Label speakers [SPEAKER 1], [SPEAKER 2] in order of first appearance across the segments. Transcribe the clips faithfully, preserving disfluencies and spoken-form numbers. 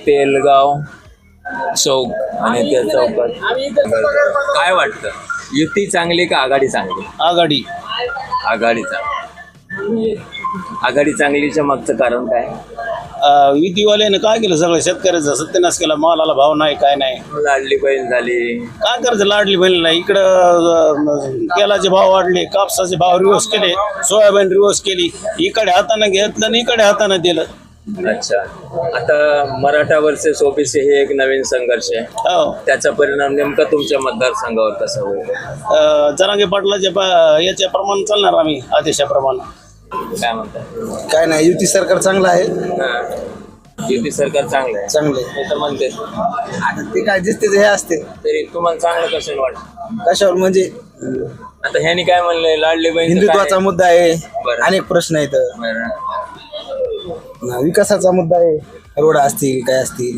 [SPEAKER 1] तेलगाव चौक आणि त्या चौकात काय वाटतं, युती चांगली का आघाडी चांगली?
[SPEAKER 2] आघाडी.
[SPEAKER 1] आघाडीचा. आघाडी चांगलीच्या मागचं कारण काय?
[SPEAKER 2] युतीवाल्याने काय केलं, सगळं शेतकऱ्याचा सत्यानाश केला. मालाला भाव नाही, काय नाही.
[SPEAKER 1] लाडली बहीण झाली,
[SPEAKER 2] काय करायचं, लाडली बहीण नाही. इकडं तेलाचे भाव वाढले, कापसाचे भाव रिवर्स केले, सोयाबीन रिवर्स केली. इकडे हाताने घेतलं आणि इकडे हाताने दिलं.
[SPEAKER 1] अच्छा. आता मराठा वर्सेस ओबीसी हे एक नवीन संघर्ष आहे.
[SPEAKER 2] हो.
[SPEAKER 1] त्याचा परिणाम नेमका तुमच्या मतदारसंघावर कसा होईल?
[SPEAKER 2] जरांगे पाटलाच्या याच्या प्रमाणे चालणार आम्ही, आदेशाप्रमाणे.
[SPEAKER 1] काय म्हणतात?
[SPEAKER 2] काय नाही, युती सरकार चांगलं आहे.
[SPEAKER 1] युती सरकार चांगलं आहे.
[SPEAKER 2] चांगले
[SPEAKER 1] हे तर म्हणते.
[SPEAKER 2] आता ते काय दिसते हे असते.
[SPEAKER 1] तरी तुम्हाला चांगलं कसं वाटतं?
[SPEAKER 2] कशावर म्हणजे,
[SPEAKER 1] आता ह्यानी काय म्हणलंय, लाडली बहीण
[SPEAKER 2] हिंदुत्वाचा मुद्दा आहे.
[SPEAKER 1] बरं.
[SPEAKER 2] अनेक प्रश्न आहेत.
[SPEAKER 1] बरं.
[SPEAKER 2] विकासाचा मुद्दा आहे. रोड असतील, काय असतील.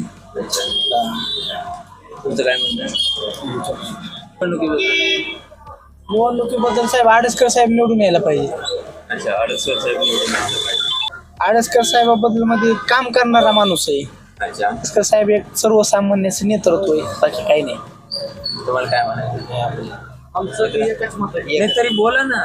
[SPEAKER 1] तुमचं काय म्हणणं आहे?
[SPEAKER 3] निवडणुकीबद्दल साहेब आडसकर साहेब निवडून यायला पाहिजे.
[SPEAKER 1] अच्छा. अडसर साहेब निवडून आलं पाहिजे.
[SPEAKER 3] आडसकर साहेबाबद्दल मध्ये काम करणारा माणूस आहे.
[SPEAKER 1] अच्छा.
[SPEAKER 3] आडसकर साहेब एक सर्वसामान्याचं नेतृत्व आहे, बाकी काही नाही.
[SPEAKER 1] तुम्हाला काय म्हणायचं? नाही तरी बोला ना.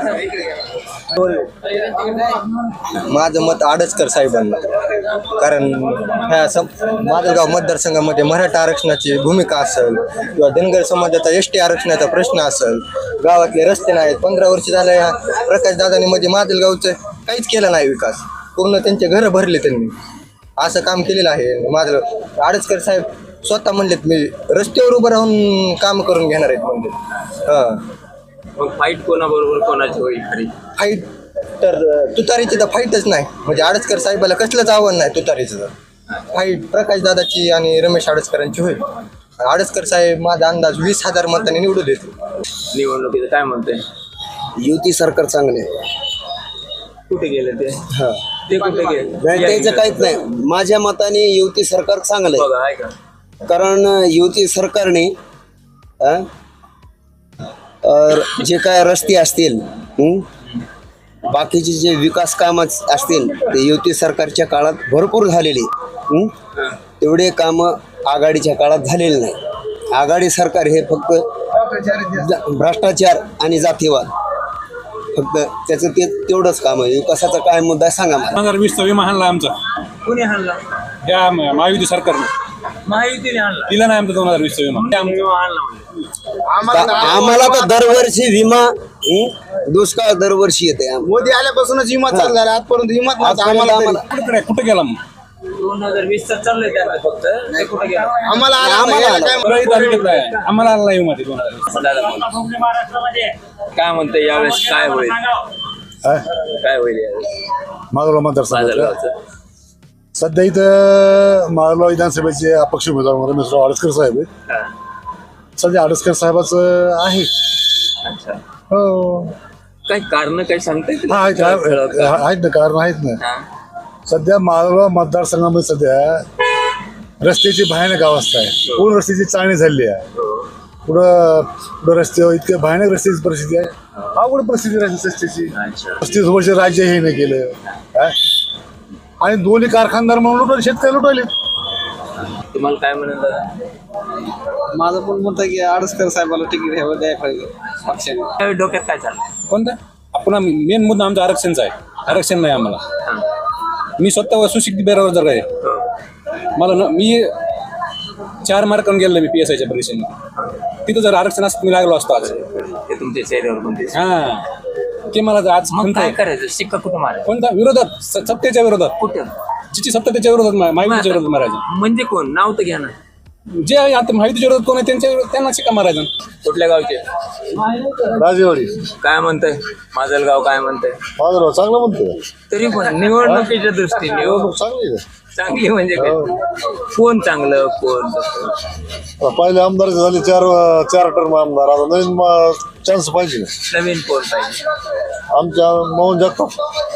[SPEAKER 4] माझं मत आडसकर साहेबांना, कारण ह्या सम माजलगाव मतदारसंघामध्ये मराठा आरक्षणाची भूमिका असेल किंवा धनगर समाजाचा एस टी आरक्षणाचा प्रश्न असेल, गावातले रस्ते नाहीत. पंधरा वर्ष झालं ह्या प्रकाश दादांनी म्हणजे माजलगावचं काहीच केलं नाही विकास. पूर्ण त्यांचे घरं भरले त्यांनी, असं काम केलेलं आहे. माझं आडसकर साहेब स्वतः म्हणलेत, मी रस्त्यावर उभं राहून काम करून घेणार आहेत म्हणजे. हां.
[SPEAKER 1] मग फाईट कोणाबरोबर कोणाची होईल खरी?
[SPEAKER 4] फाईट तर तुतारीची तर फाईटच नाही. म्हणजे आडसकर साहेबाला कसलंच आव्हान नाही तुतारीचं. तर फाईट प्रकाश दादाची आणि रमेश आडसकरांची होईल. आडसकर साहेब माझा अंदाज वीस हजार मतांनी निवडून देतील.
[SPEAKER 1] निवडणुकीचं काय म्हणते?
[SPEAKER 2] युती सरकार चांगले.
[SPEAKER 1] कुठे गेले ते?
[SPEAKER 2] हा,
[SPEAKER 1] ते कुठे गेले?
[SPEAKER 2] त्याचं काहीच नाही. माझ्या मताने युती सरकार चांगलं आहे.
[SPEAKER 1] बघा आहे का?
[SPEAKER 2] कारण युती सरकारने अ, जे काय रस्ते असतील, हं, बाकीचे जे विकास कामं असतील, ते युती सरकारच्या काळात भरपूर झालेले. हं, तेवढे कामं आघाडीच्या काळात झालेले नाही. आघाडी सरकार हे फक्त भ्रष्टाचार आणि जातीवाद, फक्त त्याचं ते तेवढंच काम आहे. विकासाचा काय मुद्दा सांगा मला.
[SPEAKER 5] दोन हजार वीसचा विमा हाणला आमचा,
[SPEAKER 1] कुणी हाणला?
[SPEAKER 5] या महायुती सरकारने.
[SPEAKER 1] महायुतीने हाणला.
[SPEAKER 5] दिला नाही आमचा दोन हजार वीसचा विमा.
[SPEAKER 1] विमा हाणला म्हणजे
[SPEAKER 2] आम्हाला तर दरवर्षी विमा, हं, दुष्काळ दरवर्षी येते.
[SPEAKER 6] मोदी आल्यापासूनच विमा चालू झाला. आजपर्यंत विमा नव्हता आम्हाला.
[SPEAKER 5] कुठे कुठे गेला मग?
[SPEAKER 1] दोन हजार वीस चा चाललंय त्याला फक्त. ते कुठे गेला?
[SPEAKER 6] आम्हाला
[SPEAKER 2] आम्हाला
[SPEAKER 5] परळी तालुक्यात आहे. आम्हाला आला नाही विमा ते दोन हजार वीस.
[SPEAKER 1] दादा बोला. काय म्हणते यावेळेस काय होईल? काय होईल यावेळेस
[SPEAKER 7] माजलगाव मतदारसंघात
[SPEAKER 1] बाजारगावचं?
[SPEAKER 7] सध्या इथं माजलगाव विधानसभेचे अपक्ष उमेदवार रमेशराव आडसकर साहेब आहेत.
[SPEAKER 1] हा.
[SPEAKER 7] सध्या आडसकर साहेबाचं आहे.
[SPEAKER 1] अच्छा.
[SPEAKER 7] हो,
[SPEAKER 1] काही कारण काही सांगताय?
[SPEAKER 7] हा आहेत आहेत ना, कारण आहेत ना. सध्या माजलगाव मतदारसंघामध्ये सध्या रस्त्याची भयानक अवस्था आहे. पूर्ण रस्त्याची चाळणी झालेली आहे. पुढं पुढं रस्त्यावर इतके भयानक रस्त्याची परिस्थिती आहे. अवघड परिस्थिती आहे रस्त्याची. पस्तीस वर्ष राज्य हे नाही केलं. आणि दोन्ही कारखानदार म्हणून लुटवले, शेतकरी लुटवले.
[SPEAKER 1] तुम्हाला काय म्हणत दादा?
[SPEAKER 3] माझं पण मत आहे की आडसकर साहेबाला तिकीट घ्यावं द्यायला पाहिजे पक्षाने.
[SPEAKER 1] त्यावेळी डोक्यात काय चाललंय?
[SPEAKER 5] कोणता? आपण मेन मुद्दा आमचा आरक्षणचा आहे. आरक्षण नाही आम्हाला. मी स्वतः सुशिक्षित बेरोजगार आहे. मला न मी चार मार्कांनी गेलो मी पी एस आयच्या परीक्षेने. तिथं जर आरक्षण असतं मी लागलो असतो आज.
[SPEAKER 1] ते तुमच्या चेहऱ्यावर पण दिसतं.
[SPEAKER 5] हा, ते मला आज
[SPEAKER 1] मग काय करायचं? शिक्का कुठं मारायचं?
[SPEAKER 5] कोणता विरोधात, स- सत्तेच्या विरोधात.
[SPEAKER 1] कुठं?
[SPEAKER 5] जिची सत्ता त्याच्या विरोधात, महायुतीच्या विरोधात मारायचं.
[SPEAKER 1] म्हणजे कोण? नाव तर घ्या ना.
[SPEAKER 5] जे आता महायुतीच्या विरोधात कोण आहे त्यांच्या विरोधात त्यांना शिक्का मारायचा.
[SPEAKER 1] कुठल्या गावचे?
[SPEAKER 7] राजेवाडी
[SPEAKER 1] काय म्हणताय माजलगाव? काय म्हणताय?
[SPEAKER 7] माजलगाव चांगलं म्हणतो.
[SPEAKER 1] तरी पण निवडणुकीच्या दृष्टीने हो,
[SPEAKER 7] चांगली
[SPEAKER 1] चांगली म्हणजे काय? कोण चांगलं कोण तसं?
[SPEAKER 7] पहिले आमदार झाले चार चार टर्म आमदार. आता नवीन चान्स पाहिजे.
[SPEAKER 1] नवीन कोण पाहिजे?
[SPEAKER 7] आमच्या मोहन जगताप.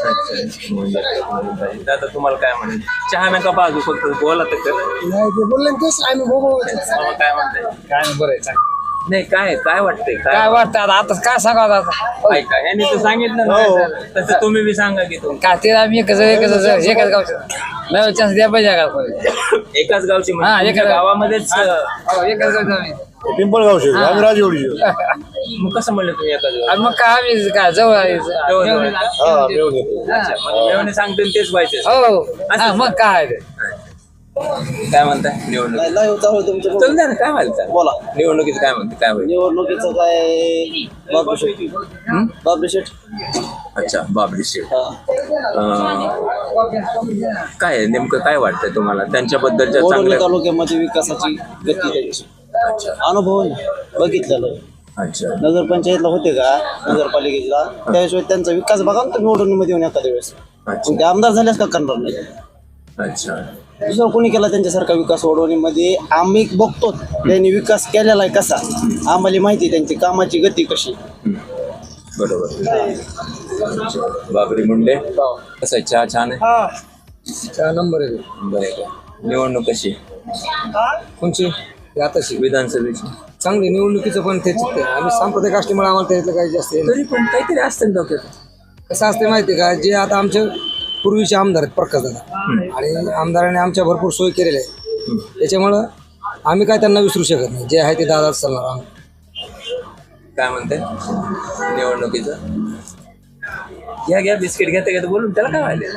[SPEAKER 1] दादा तुम्हाला काय म्हणायचं? चहा नका बाजू, फक्त बोला तर कर.
[SPEAKER 3] नाही ते बोलले तेच आम्ही बघू.
[SPEAKER 1] काय म्हणताय?
[SPEAKER 5] काय बरं आहे.
[SPEAKER 1] नाही काय काय वाटतंय
[SPEAKER 8] काय वाटतं आता आता काय सांगावं आता
[SPEAKER 1] ऐका यांनी तर सांगितलं ना तसं तुम्ही बी सांगा की तुम्ही
[SPEAKER 8] का ते आम्ही एकच एकच एकाच गावचं नवीन चान्स द्या पाहिजे का
[SPEAKER 1] एकाच गावची म्हणजे
[SPEAKER 8] हा,
[SPEAKER 1] तुमच्या
[SPEAKER 8] एकाच-
[SPEAKER 1] गावामध्येच अं,
[SPEAKER 8] हो, एकच गावचं आम्ही
[SPEAKER 7] पिंपळगावचे
[SPEAKER 8] हा.
[SPEAKER 7] आम्ही राजवडी
[SPEAKER 1] मग कसं म्हणलं तुम्ही एकाच गाव
[SPEAKER 8] आणि मग काय आम्ही काय जवळ आहे.
[SPEAKER 1] जवळ जवळ. अच्छा, म्हणजे मेवणे सांगतो आणि तेच पाहिजे
[SPEAKER 8] हो हा, मग काय ते.
[SPEAKER 1] काय म्हणताय निवडणूक चल द्या ना काय म्हणताय
[SPEAKER 3] बोला
[SPEAKER 1] निवडणुकीचं काय म्हणते काय होईल
[SPEAKER 3] निवडणुकीचं काय बाबू शेठ बाबू शेठ
[SPEAKER 1] अच्छा बाबरी शेठ अं, काय आहे? नेमकं काय वाटतंय तुम्हाला त्यांच्याबद्दलच्या
[SPEAKER 3] बोरवली
[SPEAKER 1] चांगल्या
[SPEAKER 3] तालुक्यामध्ये विकासाची गती त्यांची अनुभव आहे ना, बघितलेलं आहे.
[SPEAKER 1] अच्छा
[SPEAKER 3] नगरपंचायतला होते का नगरपालिकेला त्याशिवाय त्यांचा विकास बघा ना तुम्ही निवडणुकीमध्ये येऊन एखाद्या वेळेस
[SPEAKER 1] अच्छा
[SPEAKER 3] मग ते आमदार झाल्यास का करणार नाही
[SPEAKER 1] अच्छा
[SPEAKER 3] दुसरं कोणी केला त्यांच्यासारखा विकास वडवणीमध्ये आम्ही बघतो त्यांनी विकास केलेला आहे कसा आम्हाला माहिती आहे त्यांची कामाची गती कशी
[SPEAKER 1] बरोबर अच्छा. बाबरी मुंडे कसं आहे चहा छान आहे
[SPEAKER 8] चार नंबर आहे
[SPEAKER 1] बरं आहे का निवडणूक कशी
[SPEAKER 8] कोणची आताशी
[SPEAKER 1] विधानसभेची
[SPEAKER 8] चांगली निवडणुकीचं पण तेच आम्ही सांप्रदायिक असल्यामुळे आम्हाला त्यातलं काही जास्त हे नाही.
[SPEAKER 1] तरी पण काहीतरी असतं ना डोक्यात
[SPEAKER 8] कसं असते माहिती आहे का जे आता आमचे पूर्वीचे आमदार आहेत प्रकाश दादा आणि आमदारांनी आमच्या भरपूर सोय केलेल्या आहे त्याच्यामुळं आम्ही काय त्यांना विसरू शकत नाही जे आहे ते दादाच चालणार आम्ही
[SPEAKER 1] काय म्हणते निवडणुकीचं घ्या घ्या बिस्किट घेता घेता बोलून त्याला काय व्हायला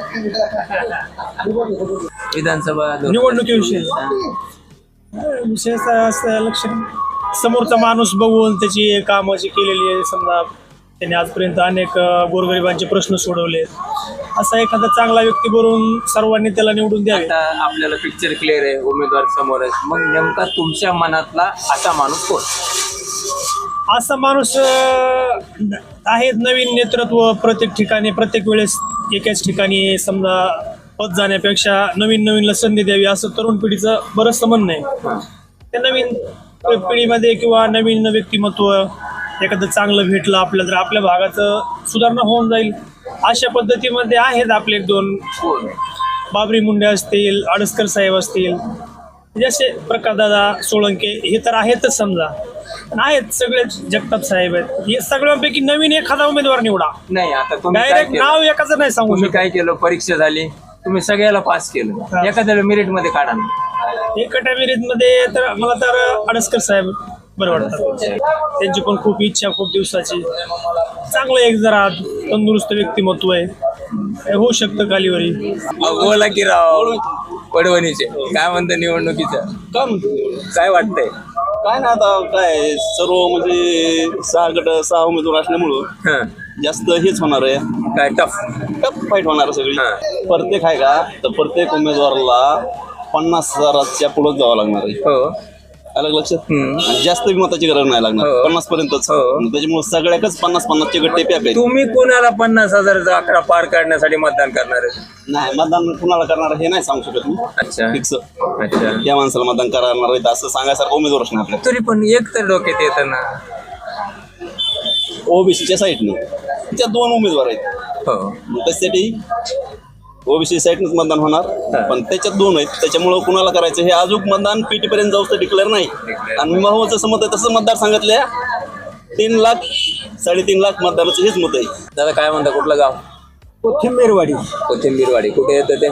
[SPEAKER 1] विधानसभा दोन-
[SPEAKER 9] निवडणुकीविषयी विशेषतः असं लक्ष समोरचा माणूस बघून त्याची कामं जी केलेली आहे समजा त्यांनी आजपर्यंत अनेक अ, गोरगरिबांचे प्रश्न सोडवले असा एखादा चांगला व्यक्ती बनवून सर्वांनी त्याला निवडून द्यावे
[SPEAKER 1] आता आपल्याला पिक्चर क्लिअर आहे उमेदवार समोर आहे मग नेमका तुमच्या मनातला असा माणूस कोण
[SPEAKER 9] असा माणूस अ, आहे नवीन नेतृत्व प्रत्येक ठिकाणी प्रत्येक वेळेस एकाच ठिकाणी समजा पद जाण्यापेक्षा नवीन नवीनला संधी द्यावी असं तरुण पिढीचं बरंचसं म्हणणं आहे त्या नवीन पिढीमध्ये किंवा नवीन व्यक्तिमत्व एखादं चांगलं भेटलं आपल्याला तर आपल्या भागाचं सुधारणा होऊन जाईल अशा पद्धतीमध्ये आहेत आपले एक दोन
[SPEAKER 1] कोण
[SPEAKER 9] बाबरी मुंडे असतील आडसकर साहेब असतील जसे प्रकाशदादा सोळंके हे तर आहेतच समजा पण आहेत सगळे जगताप साहेब आहेत हे सगळ्यांपैकी नवीन एखादा उमेदवार निवडा
[SPEAKER 1] नाही आता तुम्ही काय
[SPEAKER 9] डायरेक्ट
[SPEAKER 1] केलं?
[SPEAKER 9] नाव एकाचं नाही सांगू
[SPEAKER 1] तुम्ही
[SPEAKER 9] शकत
[SPEAKER 1] काय केलं परीक्षा झाली तुम्ही सगळ्याला पास केलं एखाद्याला मेरिट मध्ये काढा ना.
[SPEAKER 9] एकट्या मध्ये तर मला तर आडसकर साहेब बरं वाटतात त्यांची पण खूप इच्छा खूप दिवसाची चांगलं एक जरा तंदुरुस्त व्यक्तिमत्व आहे हे होऊ शकतं कालीवरी
[SPEAKER 1] अहो, बोला की राव पडवणीचे काय म्हणतं निवडणुकीचं
[SPEAKER 3] काय म्हणतो
[SPEAKER 1] काय वाटतंय
[SPEAKER 3] काय ना आता काय सर्व म्हणजे सहा गट सहा उमेदवार असल्यामुळं
[SPEAKER 1] हं.
[SPEAKER 3] जास्त हेच होणार आहे
[SPEAKER 1] काय टफ
[SPEAKER 3] टफ फाईट होणार आहे सगळी
[SPEAKER 1] हा.
[SPEAKER 3] प्रत्येक आहे का तर प्रत्येक उमेदवाराला पन्नास हजाराच्या पुढे जावं लागणार आहे
[SPEAKER 1] हो
[SPEAKER 3] अलग लक्षात
[SPEAKER 1] हम्म.
[SPEAKER 3] आणि जास्त मताची गरज नाही लागणार
[SPEAKER 1] हो.
[SPEAKER 3] पन्नास पर्यंतच
[SPEAKER 1] हो.
[SPEAKER 3] त्याच्यामुळे सगळ्याकच पन्नास पन्नासचे गट्टे पॅक आहेत
[SPEAKER 1] तुम्ही कोणाला पन्नास हजाराचा आकडा पार काढण्यासाठी मतदान करणार आहे
[SPEAKER 3] नाही मतदान कुणाला करणार हे नाही सांगू शकत मी
[SPEAKER 1] अच्छा
[SPEAKER 3] फिक्स
[SPEAKER 1] अच्छा
[SPEAKER 3] त्या माणसाला मतदान करणार आहेत असं सांगायसारखं उमेदवारच नाही आपल्याला
[SPEAKER 1] तरी पण एक तर डोक्यात येतं ना
[SPEAKER 3] ओबीसीच्या साईडने त्या दोन उमेदवार आहेत
[SPEAKER 1] हो
[SPEAKER 3] मग त्यासाठी ओबीसी साईडनंच मतदान होणार पण त्याच्यात दोन आहेत त्याच्यामुळं कुणाला करायचं हे अजून मतदान पीटी पर्यंत जाऊ तर डिक्लेअर नाही आणि महत्वाचं जसं मत आहे तसं मतदार सांगितल्या तीन लाख साडेतीन लाख मतदाराचं हेच मत आहे
[SPEAKER 1] दादा काय म्हणता कुठलं गाव
[SPEAKER 8] कोथिंबीरवाडी
[SPEAKER 1] कोथिंबीरवाडी कुठे येतं ते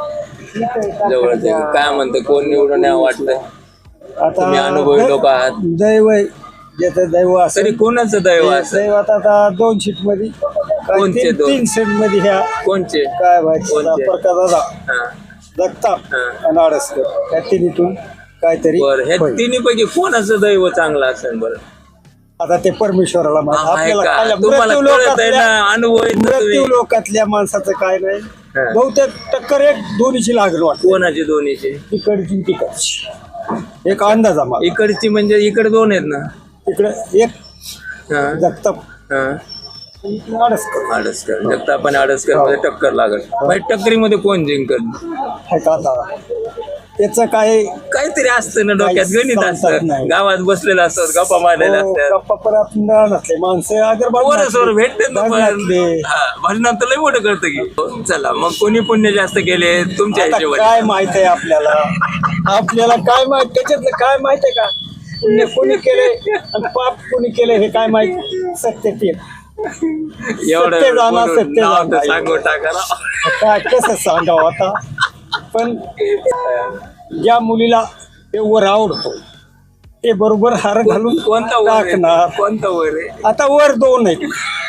[SPEAKER 1] जवळच आहे. काय म्हणतं कोण निवडून यावं वाटतंय तुम्ही अनुभवी लोक आहात
[SPEAKER 8] दैव ज्याचं दैव
[SPEAKER 1] तरी कोणाचं दैव असं
[SPEAKER 8] दैव आता दोन सीट मध्ये
[SPEAKER 1] कोणचे दोन?
[SPEAKER 8] तीन सीट मध्ये ह्या
[SPEAKER 1] कोणचे
[SPEAKER 8] काय व्हायचं
[SPEAKER 1] कोणते?
[SPEAKER 8] प्रकाश दादा
[SPEAKER 1] हा
[SPEAKER 8] जगताप
[SPEAKER 1] हा.
[SPEAKER 8] आणि आडसकर त्या तिन्हीतून काहीतरी
[SPEAKER 1] बरं हे
[SPEAKER 8] होईल.
[SPEAKER 1] तिन्ही पैकी कोणाचं दैव चांगलं असेल बरं
[SPEAKER 8] आता ते परमेश्वराला माहिती.
[SPEAKER 1] आहे
[SPEAKER 8] आपल्याला
[SPEAKER 1] का?
[SPEAKER 8] काय-
[SPEAKER 1] तुम्हाला
[SPEAKER 8] मृत्यू
[SPEAKER 1] कळत आहे
[SPEAKER 8] लोकातल्या-
[SPEAKER 1] ना अनुभव आहे ना
[SPEAKER 8] मृत्यू
[SPEAKER 1] तुम्ही.
[SPEAKER 8] लोकातल्या माणसाचं काय नाही
[SPEAKER 1] हा.
[SPEAKER 8] बहुतेक टक्कर एक दोन्हीची लागेल वाटत
[SPEAKER 1] कोणाचे दोन्हीचे
[SPEAKER 8] तिकडची तिकडची एक अंदाजा मला
[SPEAKER 1] इकडची म्हणजे इकडे दोन आहेत ना
[SPEAKER 8] तिकडे एक
[SPEAKER 1] हा
[SPEAKER 8] जगताप
[SPEAKER 1] हा
[SPEAKER 8] आडसकर
[SPEAKER 1] आडसकर जगताप आणि आडसकर मध्ये टक्कर लागत भाई टक्करीमध्ये कोण जिंकत
[SPEAKER 8] हे का आता त्याचं काय
[SPEAKER 1] काहीतरी असतं ना डोक्यात
[SPEAKER 8] काही
[SPEAKER 1] गणित
[SPEAKER 8] सांगता येत
[SPEAKER 1] असतं
[SPEAKER 8] नाही.
[SPEAKER 1] गावात बसलेलं असतात गप्पा मारलेल्या
[SPEAKER 8] हो,
[SPEAKER 1] असतात
[SPEAKER 8] गप्पा परत नसले माणसं अगर
[SPEAKER 1] पोरं भेटते ना पण
[SPEAKER 8] भजनातले.
[SPEAKER 1] हा, भजनात तर लय मोठं करतं की चला मग कोणी पुण्य जास्त केले तुमच्या
[SPEAKER 8] आता
[SPEAKER 1] हिशोबाने
[SPEAKER 8] काय माहित आहे आपल्याला आपल्याला काय माहित त्याच्यातलं काय माहित आहे का
[SPEAKER 9] पुण्य कोणी केलंय आणि पाप कोणी केलंय हे काय माहिती. सत्य ते
[SPEAKER 1] एवढं
[SPEAKER 9] सत्य जाणं,
[SPEAKER 1] बोलून
[SPEAKER 9] सत्य
[SPEAKER 1] नाव तर
[SPEAKER 9] जाणं.
[SPEAKER 1] सांगू टाका ना.
[SPEAKER 9] काय कसं सांगावं आता. पण ज्या मुलीला ते वर आवडतो ते बरोबर हार घालून
[SPEAKER 1] कोणता वर आहे?
[SPEAKER 9] टाकणार.
[SPEAKER 1] कोणता वर आहे?
[SPEAKER 9] आता वर दोन आहेत.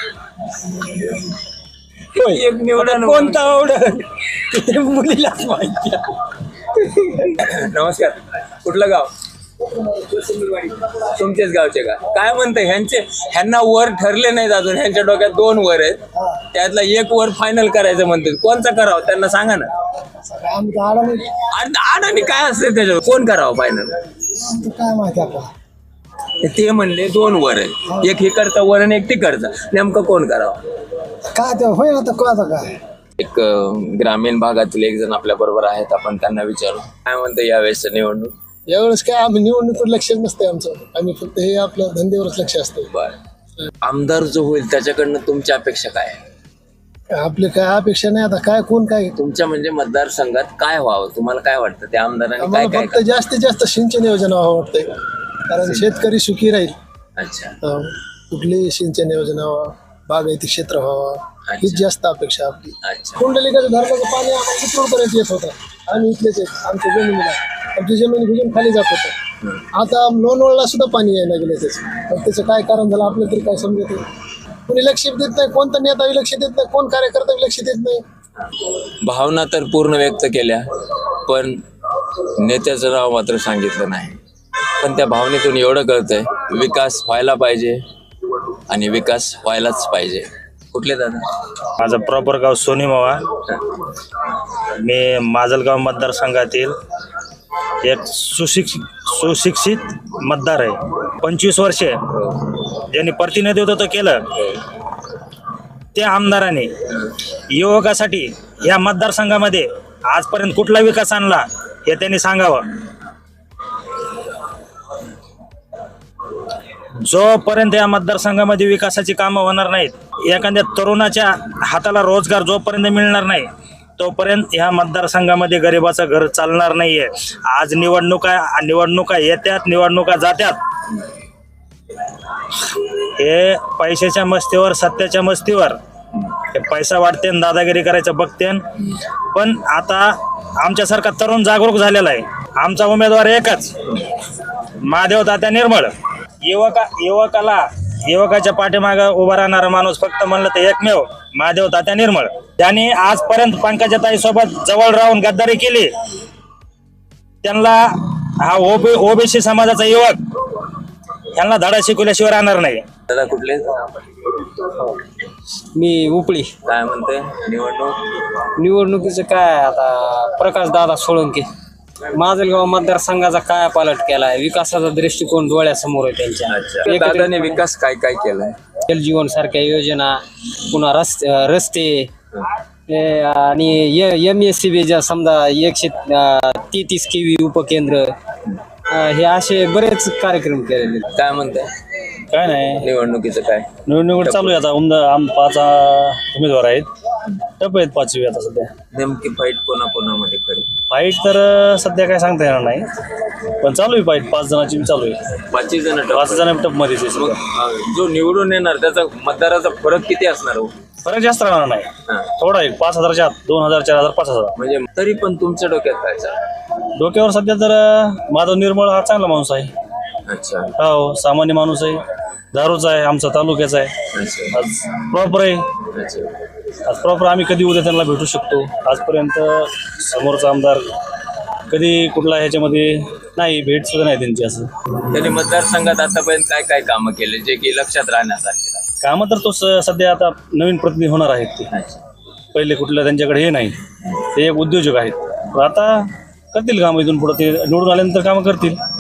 [SPEAKER 9] होय.
[SPEAKER 1] एक निवडा
[SPEAKER 9] आता
[SPEAKER 1] ना.
[SPEAKER 9] कोणता आवडल ते मुलीलाच माहिती.
[SPEAKER 1] नमस्कार, कुठलं गाव? तुमचेच गावचे का? काय म्हणते ह्यांचे ह्यांना वर ठरले नाहीत अजून, ह्यांच्या डोक्यात दोन वर आहेत, त्यातला एक वर फायनल करायचं म्हणते. कोणचा करावं त्यांना सांगा ना. आणि काय असते त्याच्यावर कोण करावं फायनल?
[SPEAKER 8] काय माहिती आपल्याला.
[SPEAKER 1] ते म्हणले दोन वर आहे, एक इकडचा वर आणि एक तिकडचा, नेमकं कोण करावं?
[SPEAKER 8] काय ते होईल आता काय आता काय.
[SPEAKER 1] एक अं, ग्रामीण भागातील एक जण आपल्या बरोबर आहेत, आपण त्यांना विचारू काय म्हणते यावेळेस निवडणूक.
[SPEAKER 8] यावेळेस काय आम्ही निवडणुकीवर लक्ष नसते आमचं. आम्ही फक्त हे आपलं धंद्यावरच लक्ष असतं.
[SPEAKER 1] बर, आमदार जो होईल त्याच्याकडनं तुमची अपेक्षा काय आहे?
[SPEAKER 8] आपली काय अपेक्षा नाही आता. काय कोण काय
[SPEAKER 1] तुमच्या म्हणजे मतदारसंघात काय व्हावं, तुम्हाला काय वाटतं त्या आमदारांनी काय
[SPEAKER 8] आम्हाला
[SPEAKER 1] काय
[SPEAKER 8] फक्त जास्तीत जास्त सिंचन योजना व्हावं वाटतंय. कारण शेतकरी सुखी राहील.
[SPEAKER 1] अच्छा,
[SPEAKER 8] अं, कुठलीही सिंचन योजना व्हावं, बागायती क्षेत्र व्हावं, हीच जास्त अपेक्षा आपली.
[SPEAKER 1] अच्छा.
[SPEAKER 8] कुंडलिकाचं धरणाचं पाणी आम्हाला चिपळूणपर्यंत येत होतं. आम्ही इथलेच आहेत. आमच्या जमिनीला आमची जमीन भिजून खाली जात होतं. आता लोणवळला सुद्धा पाणी यायला गेलं त्याचं. पण त्याचं काय कारण झालं आपल्याला तरी काय समजत नाही. कोणी लक्ष देत नाही. कोणता नेता लक्ष देत नाही. कोण कार्यकर्ता लक्ष देत नाही.
[SPEAKER 1] भावना तर पूर्ण व्यक्त केल्या, पण नेत्याचं नाव मात्र सांगितलं नाही. पण त्या भावनेतून एवढं कळतंय विकास व्हायला पाहिजे आणि विकास व्हायलाच पाहिजे. कुठले दादा?
[SPEAKER 10] माझं प्रॉपर गाव सोनीमावा. मी माजलगाव मतदारसंघातील एक सुशिक्षित सुशिक्षित मतदार आहे. पंचवीस वर्षे ज्यांनी प्रतिनिधित्व केलं त्या आमदाराने युवकासाठी या मतदारसंघामध्ये आजपर्यंत कुठला विकास आणला हे त्यांनी सांगावं. जोपर्यंत या मतदारसंघामध्ये विकासाची कामं होणार नाहीत, एखाद्या तरुणाच्या हाताला रोजगार जोपर्यंत मिळणार नाही तोपर्यंत ह्या मतदारसंघामध्ये गरिबाचं घर चालणार नाहीये. आज निवडणुका निवडणुका येत्यात, निवडणुका जात्यात. हे पैशाच्या मस्तीवर, सत्याच्या मस्तीवर हे पैसा वाटते, दादागिरी करायचं बघते. पण आता आमच्यासारखा तरुण जागरूक झालेला आहे. आमचा उमेदवार एकच, महादेव तात्या निर्मळ. युवका युवकाला युवकाच्या पाठीमागं उभा राहणारा माणूस फक्त म्हणलं तर एकमेव महादेव तात्या निर्मळ. त्यांनी आजपर्यंत पंकजाताई सोबत जवळ राहून गद्दारी केली. त्यांना हा ओबी ओबीसी समाजाचा युवक यांना धडा शिकवल्याशिवाय राहणार नाही.
[SPEAKER 1] दादा कुठले?
[SPEAKER 11] मी उपळी.
[SPEAKER 1] काय म्हणते निवडणूक?
[SPEAKER 11] निवडणुकीचं काय आता, प्रकाश दादा सोळंके. माजलगाव मतदारसंघाचा काय पालट केलाय, विकासाचा दृष्टिकोन डोळ्यासमोर आहे त्यांच्या.
[SPEAKER 1] अच्छा, दादाने विकास काय काय केलाय?
[SPEAKER 11] जल जीवन सारख्या योजना, पुन्हा रस्ते रस्ते हे आणि एम एस सी बीच्या समजा एकशे तेहतीस के व्ही उपकेंद्र, हे असे बरेच कार्यक्रम केलेले.
[SPEAKER 1] काय म्हणताय?
[SPEAKER 10] काय नाही,
[SPEAKER 1] निवडणुकीचं काय?
[SPEAKER 10] निवडणूक चालू आहे आता. उमदा आम पाच अं, उमेदवार आहेत. टप आहेत पाचवी आता सध्या.
[SPEAKER 1] नेमकी फाईट कोणा कोणामध्ये खरी?
[SPEAKER 10] फाईट तर अं, सध्या काय सांगता येणार नाही, पण चालू आहे फाईट. पाच जणांची चालू आहे.
[SPEAKER 1] पाचही जण
[SPEAKER 10] पाच जण टप मध्ये.
[SPEAKER 1] मग अं, जो निवडून येणार त्याचा मतदाराचा फरक किती असणार हो?
[SPEAKER 10] फरक जास्त राहणार नाही,
[SPEAKER 1] हा.
[SPEAKER 10] थोडा आहे. पाच हजारच्या आत, दोन हजार, चार हजार, पाच हजार.
[SPEAKER 1] म्हणजे तरी पण तुमच्या डोक्यात काय चाललं?
[SPEAKER 10] डोक्यावर सध्या तर अं, माधव निर्मळ हा चांगला माणूस आहे.
[SPEAKER 1] अच्छा,
[SPEAKER 10] हो, सामान्य माणूस आहे. दारूचा आहे, आमचा तालुक्याचा आहे.
[SPEAKER 1] अच्छा,
[SPEAKER 10] आज प्रॉपर आहे.
[SPEAKER 1] अच्छा.
[SPEAKER 10] आज प्रॉपर आम्ही कधी उद्या त्यांना भेटू शकतो. आजपर्यंत समोरचा आमदार कधी कुठला ह्याच्यामध्ये नाही, भेट सुद्धा नाही त्यांची. असं
[SPEAKER 1] त्यांनी मतदारसंघात आतापर्यंत काय काय कामं केले जे की लक्षात राहण्यासारखे?
[SPEAKER 10] कामं तर तो स- सध्या आता नवीन प्रतिनिधी होणार आहेत. ते पहिले कुठलं त्यांच्याकडे हे नाही, ते एक उद्योजक आहेत. आता करतील कामं इथून पुढे. ते निवडून आल्यानंतर कामं करतील.